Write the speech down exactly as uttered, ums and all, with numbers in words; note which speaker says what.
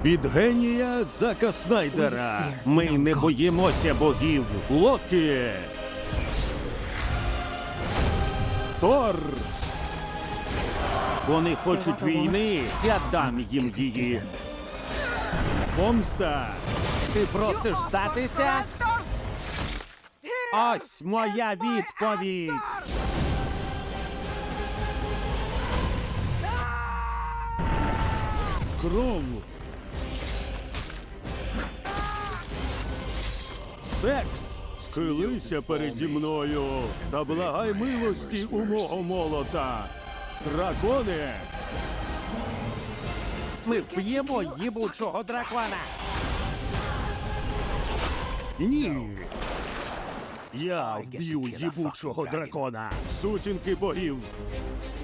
Speaker 1: Від генія Зака Снайдера. Ми не боїмося богів. Локі. Тор. Вони хочуть війни, я дам їм її. Помста. Ти просиш здатися? Ось моя відповідь. Кров. Секс. Схилися переді мною та благай милості у мого молота. Дракони. Ми вб'ємо їбучого дракона. Ні. Я вб'ю їбучого дракона. Сутінки богів.